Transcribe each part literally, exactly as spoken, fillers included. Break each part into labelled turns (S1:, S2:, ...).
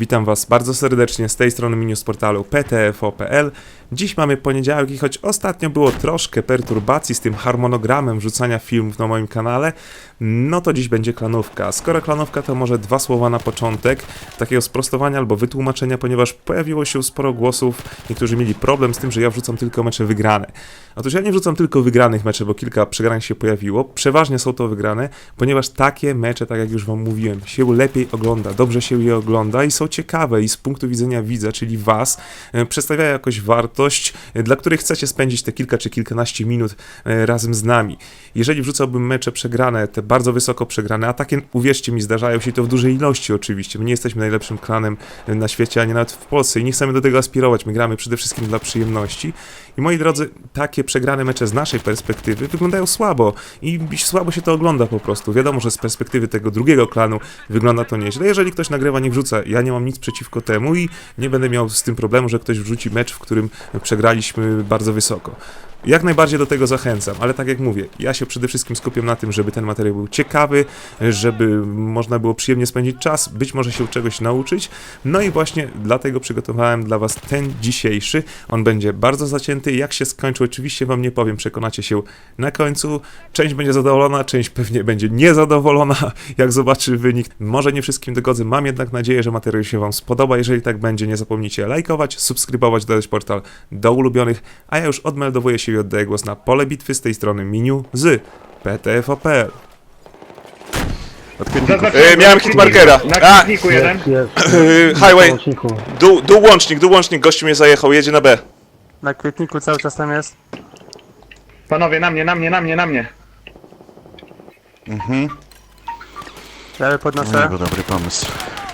S1: Witam Was bardzo serdecznie z tej strony menu z portalu p t f o kropka p l. Dziś mamy poniedziałek i choć ostatnio było troszkę perturbacji z tym harmonogramem wrzucania filmów na moim kanale, no to dziś będzie klanówka. Skoro klanówka, to może dwa słowa na początek, takiego sprostowania albo wytłumaczenia, ponieważ pojawiło się sporo głosów, niektórzy mieli problem z tym, że ja wrzucam tylko mecze wygrane. Otóż ja nie wrzucam tylko wygranych meczy, bo kilka przegranych się pojawiło, przeważnie są to wygrane, ponieważ takie mecze, tak jak już Wam mówiłem, się lepiej ogląda, dobrze się je ogląda i są ciekawe i z punktu widzenia widza, czyli Was, przedstawiają jakąś wartość, dla której chcecie spędzić te kilka czy kilkanaście minut razem z nami. Jeżeli wrzucałbym mecze przegrane, te bardzo wysoko przegrane, a takie, uwierzcie mi, zdarzają się to w dużej ilości oczywiście, my nie jesteśmy najlepszym klanem na świecie, ani nawet w Polsce i nie chcemy do tego aspirować, my gramy przede wszystkim dla przyjemności. I moi drodzy, takie przegrane mecze z naszej perspektywy wyglądają słabo i słabo się to ogląda po prostu. Wiadomo, że z perspektywy tego drugiego klanu wygląda to nieźle. Jeżeli ktoś nagrywa, nie wrzuca, ja nie mam nic przeciwko temu i nie będę miał z tym problemu, że ktoś wrzuci mecz, w którym przegraliśmy bardzo wysoko. Jak najbardziej do tego zachęcam, ale tak jak mówię, ja się przede wszystkim skupiam na tym, żeby ten materiał był ciekawy, żeby można było przyjemnie spędzić czas, być może się czegoś nauczyć. No i właśnie dlatego przygotowałem dla Was ten dzisiejszy. On będzie bardzo zacięty. Jak się skończy, oczywiście Wam nie powiem, przekonacie się na końcu. Część będzie zadowolona, część pewnie będzie niezadowolona, jak zobaczy wynik. Może nie wszystkim dogodzę, mam jednak nadzieję, że materiał się Wam spodoba. Jeżeli tak będzie, nie zapomnijcie lajkować, subskrybować, dodać portal do ulubionych, a ja już odmeldowuję się i oddaję głos na pole bitwy z tej strony menu z p t f o kropka p l.
S2: E, miałem hitmarkera.
S3: Na
S2: A,
S3: klikniku jeden.
S4: Jest.
S2: e, highway.
S4: Łączniku.
S2: Dół, dół łącznik, dół łącznik, gościu mnie zajechał, jedzie na B.
S5: Na kwietniku cały czas tam jest.
S3: Panowie, na mnie, na mnie, na mnie, na mnie.
S5: Ja je podnoszę.
S6: No, dobry pomysł.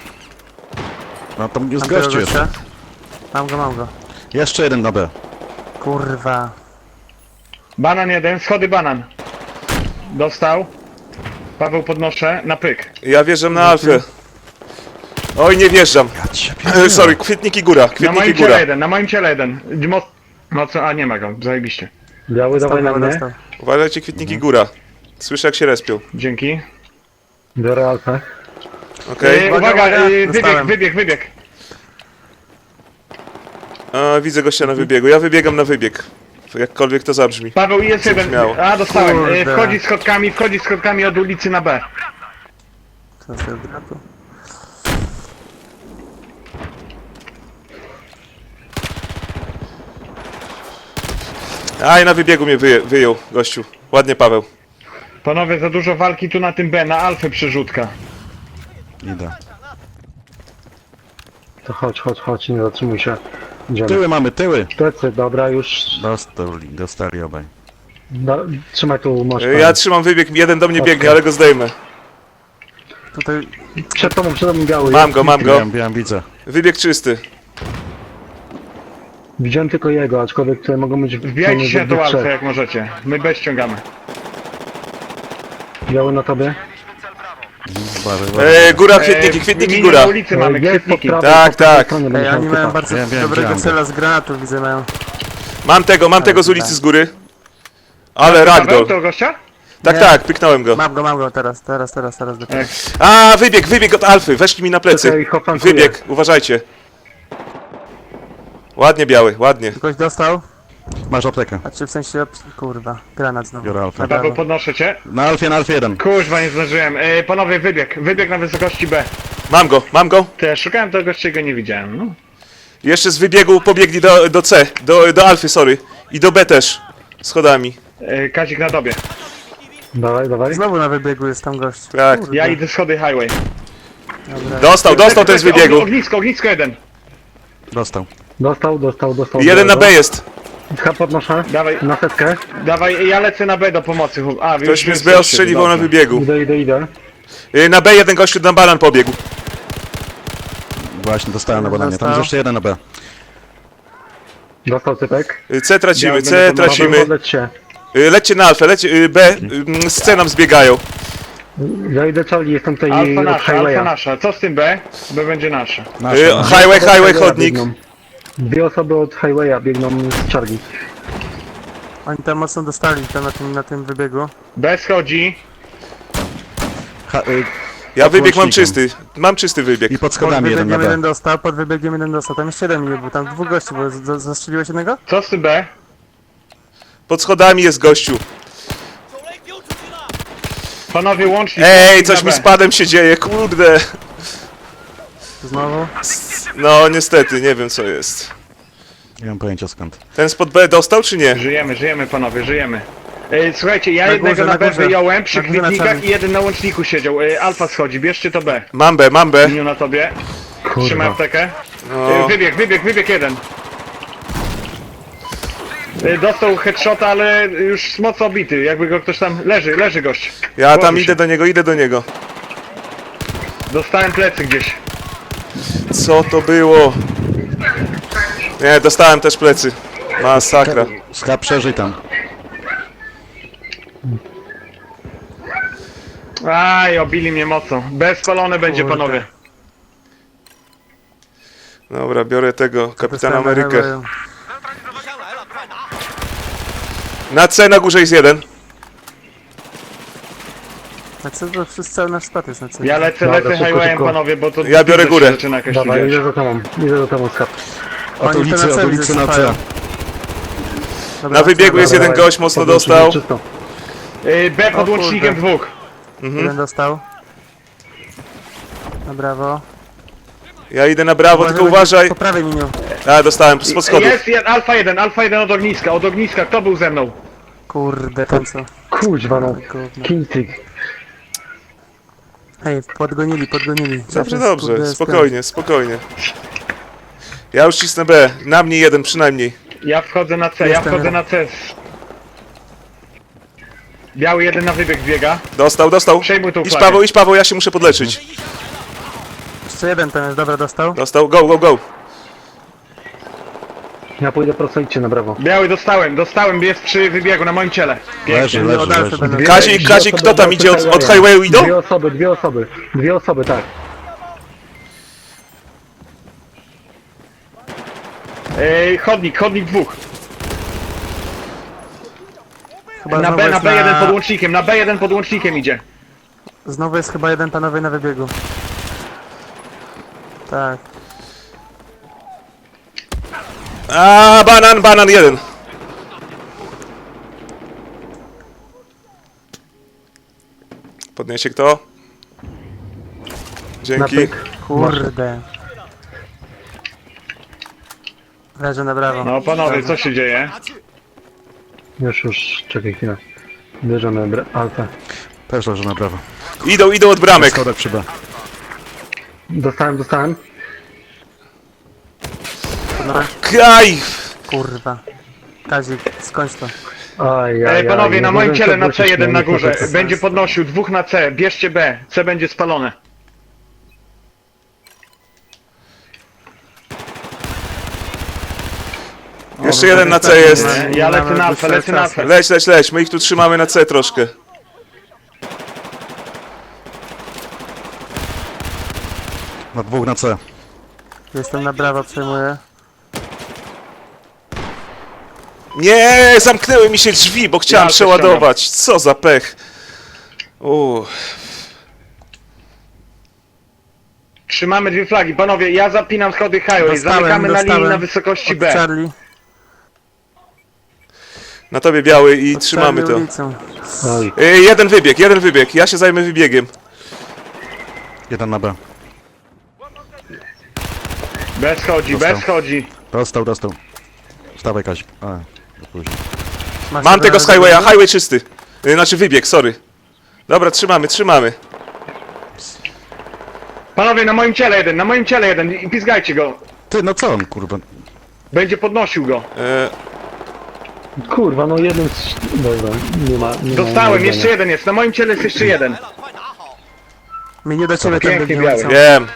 S6: No tam jest
S5: Mam tego
S6: gościu jeszcze.
S5: gościa. Mam go, mam go.
S6: Jeszcze jeden na B.
S5: Kurwa.
S3: Banan jeden, schody banan. Dostał. Paweł podnoszę, na pyk.
S2: Ja wjeżdżam na Alfę. Oj, nie wjeżdżam.
S6: Ja cię
S2: E, sorry, kwietniki góra,
S3: Na
S2: kwietniki
S3: moim
S2: góra.
S3: ciele jeden, na moim ciele jeden. Mo mocno, a nie ma go, zajebiście.
S4: Biały, dawaj na
S5: Dostał,
S4: mnie.
S5: dostał.
S2: Uważajcie, kwietniki góra. Słyszę, jak się respią.
S3: Dzięki.
S4: Biorę alfę.
S2: Okej?
S3: E,
S5: Uwaga,
S3: uwaga,
S5: uwaga,
S3: e, wybieg,
S5: dostałem.
S3: wybieg, wybieg.
S2: A, widzę gościa na wybiegu, ja wybiegam na wybieg. Jakkolwiek to zabrzmi.
S3: Paweł jest jeden.
S2: Zabrzmiało.
S3: A, dostałem. E,
S5: Kurde.
S3: wchodzi schodkami, wchodzi schodkami od ulicy na B.
S5: Co sobie dratu?
S2: Aj, na wybiegu mnie wyje, wyjął, gościu. Ładnie, Paweł.
S3: Panowie, za dużo walki tu na tym B, na Alfę przerzutka.
S6: Idę.
S4: To chodź, chodź, chodź, nie zatrzymuj się. Idziemy.
S6: Tyły mamy, tyły.
S4: Plecy, dobra, już.
S6: Dostali, dostali obaj.
S4: Da, trzymaj tu, masz.
S2: E, Ja trzymam wybieg, jeden do mnie biegnie, ale go zdejmę.
S5: Tutaj
S4: Przed tobą, przed tobą biały.
S2: Mam go, mam go.
S6: Biłem, biłem, widzę.
S2: Wybieg czysty.
S4: Widziałem tylko jego, aczkolwiek tutaj mogą być
S3: Wbijajcie się na tą
S4: we
S3: Alfę
S4: trzech.
S3: jak możecie. My B ściągamy.
S4: Biały na tobie.
S6: Bary,
S2: E, góra,
S3: E,
S2: kwietniki, kwietniki
S3: minię
S2: góra.
S3: na ulicy mamy,
S4: Jest po
S3: kwietniki.
S4: prawej,
S2: Tak,
S4: po prawej
S2: tak.
S4: stronie
S5: Ej,
S4: będzie
S5: oni
S4: miał
S5: mają
S4: typa.
S5: bardzo
S6: Wiem, wiem,
S5: dobrego
S6: widziałem
S5: cela z granatów, widzę mają.
S2: Mam tego, mam tego z ulicy z góry. Ale
S3: Paweł,
S2: ragdoll.
S3: to gościa?
S2: Tak,
S5: Nie.
S2: tak, pyknąłem go.
S5: Mam go, mam go teraz, teraz, teraz, teraz dopiero.
S3: Tak.
S2: A, wybieg, wybieg od Alfy, weszli mi na plecy.
S4: Czekaj, hofankuję.
S2: Wybieg, uważajcie. Ładnie biały, ładnie.
S5: Ktoś dostał?
S6: Masz aptekę.
S5: A czy w sensie, kurwa, granat znowu.
S6: Biorę alfę.
S5: Na
S3: Paweł,
S5: prawo.
S3: podnoszę cię.
S6: Na Alfie, na Alfie jeden.
S3: Kurwa, nie zdążyłem. E, panowie, wybieg. Wybieg na wysokości B.
S2: Mam go, mam go.
S3: To ja szukałem tego gościa i go nie widziałem. No.
S2: Jeszcze z wybiegu pobiegli do, do C, do, do Alfy, sorry. I do B też. Schodami.
S3: E, Kazik na tobie.
S4: Dawaj, dawaj.
S5: Znowu na wybiegu jest tam gość.
S2: Tak.
S5: Kurde.
S3: Ja idę schody highway.
S5: Dobra.
S2: Dostał, dostał ten z wybiegu.
S3: Og- Ognisko, ognisko jeden.
S6: Dostał.
S4: Dostał, dostał, dostał.
S2: Jeden na
S4: białego.
S2: B jest.
S4: H podnoszę.
S3: Dawaj,
S4: Na setkę.
S3: dawaj, ja lecę na B do pomocy. chłop- A, wy
S2: Ktoś
S3: już
S2: mnie z
S3: jesteście,
S2: B ostrzeliwał na
S3: dobrze.
S2: wybiegu.
S4: Idę, idę, idę.
S2: Y, Na B jeden gościu na banan pobiegł.
S6: Właśnie, dostałem na bananie. Tam
S5: Dostał.
S6: jest jeszcze jeden na B.
S4: Dostał typek.
S2: Y, C tracimy,
S3: Ja
S2: C
S3: będę pomagał.
S2: tracimy.
S4: Podleć się.
S2: Y, Lećcie na Alfę, lećcie, y, B, y, z C nam zbiegają.
S4: Ja idę Charlie, jestem tutaj
S3: Alfa
S4: od
S3: nasza, alfa
S4: highwaya.
S3: nasza. Co z tym B? B będzie nasza.
S6: Nasz,
S2: Y,
S6: nasz.
S2: Highway,
S4: Od
S2: highway,
S4: highwaya
S2: chodnik.
S4: biegną. Dwie osoby od highwaya biegną z Charlie.
S5: Oni tam mocno dostali tam na tym, na tym wybiegu.
S3: B schodzi.
S6: Ha, y,
S2: Ja wybieg mam
S6: łącznikiem.
S2: czysty. Mam czysty wybieg.
S6: I pod
S5: Pod
S6: schodami jeden na
S5: wybiegiem
S6: B.
S5: jeden dostał, pod wybiegiem jeden dostał. Tam jeszcze jeden nie był, tam dwóch gości było. Z- z- Zastrzeliłeś jednego?
S3: Co z tym B?
S2: Pod schodami jest gościu.
S3: Panowie łącznik.
S2: Ej,
S3: łącznik
S2: coś
S3: na
S2: mi
S3: B.
S2: z padem się dzieje, kurde.
S5: Znowu?
S2: No niestety, nie wiem co jest.
S6: Nie mam pojęcia skąd.
S2: Ten spod B dostał czy nie?
S3: Żyjemy, żyjemy panowie, żyjemy. Ej, słuchajcie, ja
S5: Na
S3: jednego
S5: górze,
S3: na,
S5: na
S3: B
S5: górze.
S3: wyjąłem przy
S5: Na górze, na
S3: kwitnikach
S5: czarnym.
S3: i jeden na łączniku siedział. Ej, Alfa schodzi, bierzcie to B.
S2: Mam B, mam B.
S3: Miniu na tobie. Trzymaj aptekę.
S2: No.
S3: Ej, wybieg, wybieg, wybieg jeden. Ej, dostał headshota, ale już mocno obity. Jakby go ktoś tam... Leży, leży gość.
S2: Ja tam
S3: Położył
S2: idę
S3: się.
S2: do niego, idę do niego.
S3: Dostałem plecy gdzieś.
S2: Co to było? Nie, dostałem też plecy. Masakra.
S6: Schab przeżyj tam.
S3: Aj, obili mnie mocno. Bezpalone będzie,
S5: Kurde.
S3: panowie.
S2: Dobra, biorę tego, Kapitan
S5: Dostałem na
S2: Amerykę.
S5: hełę.
S2: Na C na górze jest jeden.
S5: Na co to wszyscy cały nasz skład jest na co?
S3: Ja lecę,
S4: Dobra,
S3: lecę
S4: szybko,
S3: highwayem,
S4: szybko.
S3: panowie, bo to...
S2: Ja biorę
S3: się
S2: górę.
S3: zaczyna jakaś
S4: Dawaj,
S3: tu
S4: idę
S3: dziać.
S4: za tobą, idę za tobą, skap.
S6: Od
S5: Oni
S6: ulicy,
S5: to na
S6: od
S5: C
S6: ulicy na
S5: wysypają.
S6: C.
S5: Dobra,
S2: Na wybiegu jest
S5: dobra,
S2: jeden gość mocno dostał.
S4: Czysto.
S3: Ej, B pod
S5: O
S3: łącznikiem
S5: kurde.
S3: dwóch.
S5: Jeden dostał. No brawo.
S2: Ja idę na brawo, tylko
S5: Uważaj,
S2: uważaj.
S5: Po prawej miniu.
S2: A, dostałem spod schodów.
S3: Jest jeden, alfa jeden, alfa jeden od ogniska, od ogniska, kto był ze mną?
S5: Kurde, ten co?
S4: Kuźwa no.
S5: Gówno.
S4: Kińcyk.
S5: Hej, podgonili, podgonili.
S2: Dobrze,
S5: Zawsze,
S2: dobrze,
S5: kurde,
S2: spokojnie, spokojnie. Ja już cisnę B, na mnie jeden przynajmniej.
S3: Ja wchodzę na C, ja
S5: Jestem
S3: wchodzę
S5: ja.
S3: na C. Biały jeden na wybieg biega.
S2: Dostał, dostał.
S3: Przejmuj tą
S2: Idź
S3: flagę.
S2: Paweł, idź Paweł, ja się muszę podleczyć.
S5: Jeszcze jeden ten jest, dobra, dostał.
S2: Dostał, go, go, go.
S4: Ja pójdę prosto, idźcie na brawo.
S3: Biały dostałem, dostałem, jest przy wybiegu na moim ciele.
S6: Leży,
S5: Od
S6: leży,
S5: Alfy
S6: leży.
S5: będą.
S4: Dwie-
S2: Kazik,
S4: dwie
S2: Kazik,
S4: osoby
S2: kto tam
S4: od
S2: idzie? Od, od
S4: highwaya.
S2: highwayu idą?
S4: Dwie osoby, dwie osoby. Dwie osoby, tak.
S3: Ej, chodnik, chodnik dwóch.
S5: Chyba
S3: Na
S5: znowu
S3: B, na
S5: jest
S3: B jeden pod łącznikiem, na B jeden pod łącznikiem idzie.
S5: Znowu jest chyba jeden panowie na wybiegu. Tak.
S2: A, banan, banan jeden. Podniesie kto?
S4: Na
S2: Dzięki.
S4: pyk.
S5: Kurde. Leży na brawo.
S3: No panowie, co się dzieje?
S4: Już, już, czekaj chwilę. Bierzemy bra- alfę.
S6: Też leży na prawo.
S2: Idą, idą od bramek.
S6: Schodek przy B.
S4: Dostałem, dostałem.
S2: Kaj!
S5: Kurwa. Kazik, skończ to.
S4: Aj, aj,
S3: Ej, panowie,
S4: aj,
S3: na
S4: nie
S3: moim
S4: mogłem
S3: ciele
S4: się
S3: na
S4: odwrócić,
S3: C jeden na
S4: miałem
S3: górze.
S4: niestety.
S3: Będzie podnosił, dwóch na C, bierzcie B. C będzie spalone.
S2: Jeszcze jeden na C jest.
S5: Nie,
S3: Ja
S5: nie
S3: lecę
S5: mamy
S3: na alfę,
S5: dłuższego
S3: lecę na
S5: czasu.
S3: alfę.
S2: Leć, leć, leć. My ich tu trzymamy na C troszkę.
S6: Na dwóch na C.
S5: Jestem na brawo, przejmuję.
S2: Nie, zamknęły mi się drzwi, bo chciałem
S3: Ja
S2: przeładować. Co za pech. Uuu.
S3: Trzymamy dwie flagi. Panowie, ja zapinam schody highway.
S5: Dostałem,
S3: Zamykamy na linii
S5: dostałem.
S3: na wysokości
S5: Od
S3: B.
S5: Charlie.
S2: Na tobie biały i
S5: Od
S2: trzymamy
S5: Charlie
S2: to.
S5: ulicą.
S4: Oj,
S2: Ej, jeden wybieg, jeden wybieg. Ja się zajmę wybiegiem.
S6: Jeden na B.
S3: Bez chodzi,
S6: Dostał.
S3: bez chodzi.
S6: Dostał, dostał. Wstawaj Kazik. A, za późno.
S5: Masz
S2: Mam
S5: jeden
S2: tego
S5: na
S2: z highwaya,
S5: wybiegu?
S2: highway czysty. Yy, Znaczy wybieg, sorry. Dobra, trzymamy, trzymamy.
S3: Panowie, na moim ciele jeden, na moim ciele jeden. I pizgajcie go.
S6: Ty, no co on, kurwa?
S3: Będzie podnosił go.
S2: E,
S4: kurwa, no jeden z... Dobra, nie ma... Nie
S3: Dostałem,
S4: ma
S3: jeszcze jeden jest. Na moim ciele jest jeszcze jeden.
S5: Mnie do ciebie tam
S3: Pięknie
S5: biegnie
S3: biały.
S5: ulicą.
S2: wiem.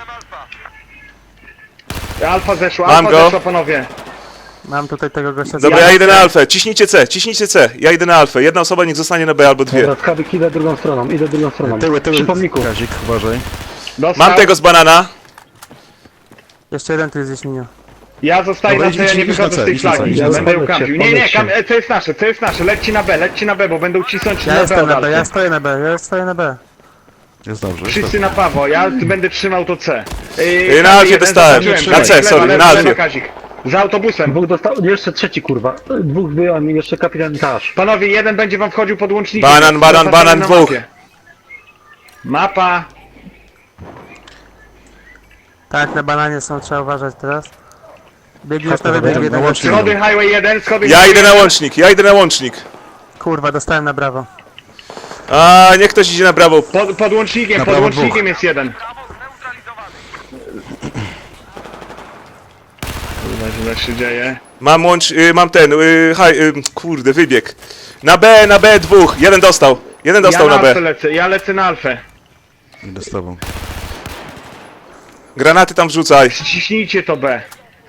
S3: Alfa zeszła,
S2: Mam
S3: alfa
S2: go.
S3: zeszła, panowie.
S5: Mam tutaj tego gościa.
S2: Dobra,
S3: Ja
S2: ja idę na
S3: chcę.
S2: alfę. Ciśnijcie C, ciśnijcie C. Ja idę na alfę. Jedna osoba niech zostanie na B albo dwie.
S4: Dobra, skabik, idę drugą stroną, idę drugą stroną.
S6: Tyły, tyły.
S4: Przy pomniku.
S6: Kazik, uważaj.
S3: Dostał.
S2: Mam tego z banana.
S5: Jeszcze jeden tu jest gdzieś miniu.
S3: Ja zostaję
S6: Dobra,
S3: na C, ja
S6: idź-
S3: nie
S6: idź na
S3: wychodzę
S6: C,
S3: z tej
S6: idź na C,
S3: flagi.
S6: idź
S4: na C.
S3: Będę ją
S4: Podjedź się,
S3: kampił. Nie, nie,
S4: podjedź się.
S3: kam... e, co jest nasze, co jest nasze. Lećcie na B, lećcie na B, bo będą cisnąć
S5: Ja
S3: na B
S5: jestem
S3: od
S5: na B, ja
S3: Alfy.
S5: stoję na B, ja stoję na B.
S6: Jest dobrze. Jest
S3: Wszyscy
S6: dobrze.
S3: na prawo, ja tu będę trzymał to C.
S2: Yy, na Alfie dostałem. Na C, sorry, na Alfie.
S3: Za autobusem.
S4: Dwóch dostał, jeszcze trzeci kurwa. Dwóch byłem i jeszcze kapitan Tasz.
S3: Panowie, jeden będzie wam wchodził pod łącznikiem.
S2: Banan, banan,
S3: Zaznaczony
S2: banan,
S3: na
S2: dwóch.
S3: mapie. Mapa.
S5: Tak, na bananie są, trzeba uważać teraz. Biegnie już na
S4: Dobra,
S5: wybieg
S6: na
S5: jeden
S6: łącznik.
S5: gościu.
S3: Schody Highway jeden, schody
S2: Ja
S3: Highway
S2: idę na
S3: jeden.
S2: łącznik, ja idę na łącznik.
S5: Kurwa, dostałem na brawo.
S2: A niech ktoś idzie na brawo.
S3: Pod, pod łącznikiem,
S6: Na
S3: pod
S6: prawo
S3: łącznikiem
S6: dwóch.
S3: jest jeden. Kurwa, źle się dzieje.
S2: Mam łącz, y, mam ten, y, haj, y, kurde, wybieg. Na B, na B dwóch, jeden dostał. Jeden dostał
S3: ja
S2: na
S3: na
S2: B.
S3: alfę lecę, ja lecę na alfę.
S6: Idę z tobą.
S2: Granaty tam wrzucaj.
S3: Ściśnijcie to B.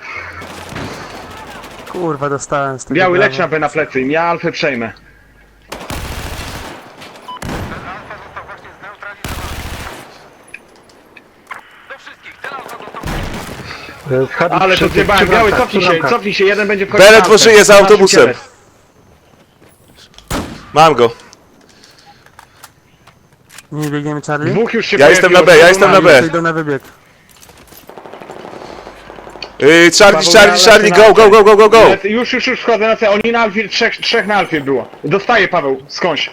S5: Kurwa, dostałem z tego
S3: Biały
S5: brawo.
S3: leć na B na plecy, ja alfę przejmę.
S4: E, Hadid
S3: Ale to
S4: przy-
S3: zjebałem,
S4: przy
S3: biały,
S4: bramkach,
S3: cofnij
S4: przy
S3: się,
S4: bramkach.
S3: cofnij się, jeden będzie wchodził
S2: B
S3: na
S2: ledwo
S3: alfę.
S2: żyje za
S3: Nasz
S2: autobusem.
S3: kielet.
S2: Mam go.
S5: Nie biegniemy Charlie?
S3: Dwóch już się
S2: Ja jestem na
S3: pojawiło,
S2: B, ja jestem na B.
S5: To idą na wybieg.
S2: Y, Charlie,
S3: Paweł,
S2: Charlie,
S3: ja
S2: Charlie,
S3: lecę
S2: go,
S3: na
S2: go, go, go, go, go.
S3: Lecę- Już, już, już wchodzę na C, oni na alfie, trzech, trzech na alfie było. Dostaje Paweł, skądś.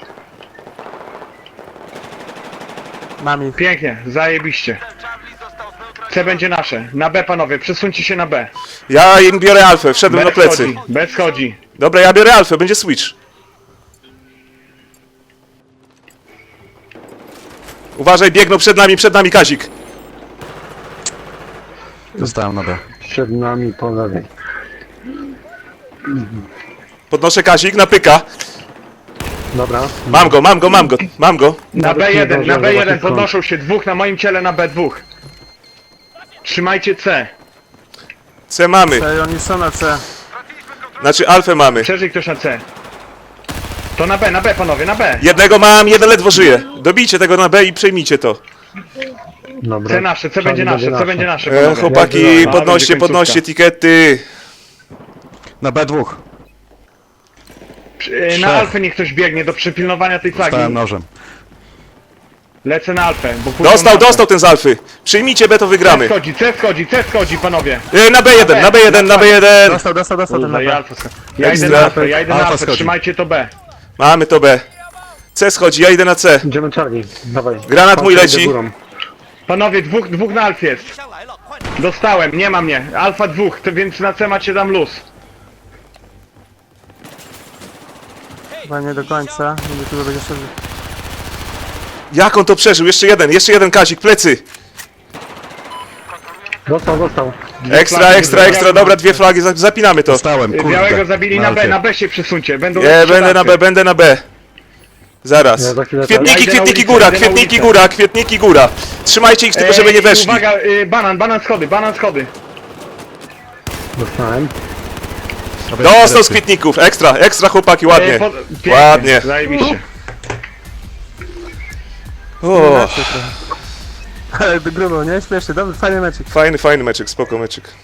S5: Mam ich.
S3: Pięknie, zajebiście. C będzie nasze. Na B panowie, przesuńcie się na B.
S2: Ja im biorę alfę, wszedłem
S3: B
S2: na plecy.
S3: schodzi, B schodzi.
S2: Dobra, ja biorę alfę, będzie switch. Uważaj, biegną przed nami, przed nami Kazik.
S6: Zostałem na B.
S4: Przed nami po lewej.
S2: Podnoszę Kazik, napyka.
S4: Dobra.
S2: Mam go, mam go, mam go, mam go.
S3: Na
S4: Nawet nie
S3: B jeden, na
S4: zdążyłem
S3: B jeden
S4: zobaczyć skąd.
S3: podnoszą się dwóch na moim ciele na B dwa. Trzymajcie C.
S2: C mamy,
S5: Ej, oni są na C.
S2: znaczy alfę mamy.
S3: Przeżyj ktoś na C. To na B, na B panowie, na B.
S2: Jednego mam, jeden ledwo żyje. Dobijcie tego na B i przejmijcie to.
S4: Dobra.
S3: C nasze, C będzie nasze, C będzie nasze
S2: E,
S3: panowie.
S2: chłopaki,
S3: A,
S2: podnoście,
S3: będzie końcówka.
S2: podnoście etykiety.
S6: Na B dwóch.
S3: E, Na Alfę niech ktoś biegnie do przypilnowania tej flagi.
S6: Dostałem nożem.
S3: Lecę na Alfę, bo pójdą
S2: Dostał,
S3: na B.
S2: dostał ten z alfy. Przyjmijcie B, to
S3: C
S2: wygramy.
S3: schodzi, C schodzi, C schodzi panowie.
S2: E, na B jeden, na B jeden, na B jeden.
S5: Dostał, dostał, dostał ten
S3: Kurwa, ja,
S5: na
S3: Alfę schodzi. ja idę
S2: Ekstra.
S3: na Alfę, ja idę na
S6: Alfa
S3: Alfę,
S6: schodzi.
S3: trzymajcie to B.
S2: Mamy to B. C schodzi, ja idę na C.
S4: Idziemy Charlie. Dawaj.
S2: Granat mój
S4: Patrzę,
S2: leci.
S4: idę górą.
S3: Panowie, dwóch, dwóch na Alfie jest. Dostałem, nie ma mnie. Alfa dwóch, to więc na C macie dam luz.
S5: Chyba nie do końca. Będzie tu będzie szedł.
S2: Jak on to przeżył? Jeszcze jeden, jeszcze jeden Kazik, plecy.
S4: Dostał, dostał.
S2: Ekstra,
S3: flagi
S2: ekstra,
S3: do
S2: ekstra,
S3: białego.
S2: dobra, dwie flagi, za- zapinamy to.
S6: Dostałem, kurde.
S3: Białego zabili na B,
S6: Alfie.
S3: na B się przesuńcie. Będą
S2: Nie,
S3: lepsze
S2: będę na
S3: Alfy.
S2: B, będę na B. Zaraz.
S4: Ja za chwilę tam.
S2: Kwietniki,
S3: Ja idę na
S2: kwietniki
S3: ulicę,
S2: góra,
S3: idę na
S2: kwietniki
S3: ulicę.
S2: góra, kwietniki góra. Trzymajcie ich, tylko żeby nie
S3: Ej,
S2: weszli.
S3: Uwaga, y, banan, banan schody, banan schody.
S4: Dostałem.
S2: Dostał z kwietników, ekstra, ekstra chłopaki, ładnie.
S3: Ej, pod- pięknie,
S2: Ładnie.
S3: Zajebiście.
S2: O,
S5: Ale grubo, nie? Śmiesznie, dobry, fajny meczek.
S2: fajny, fajny meczek, spoko meczek.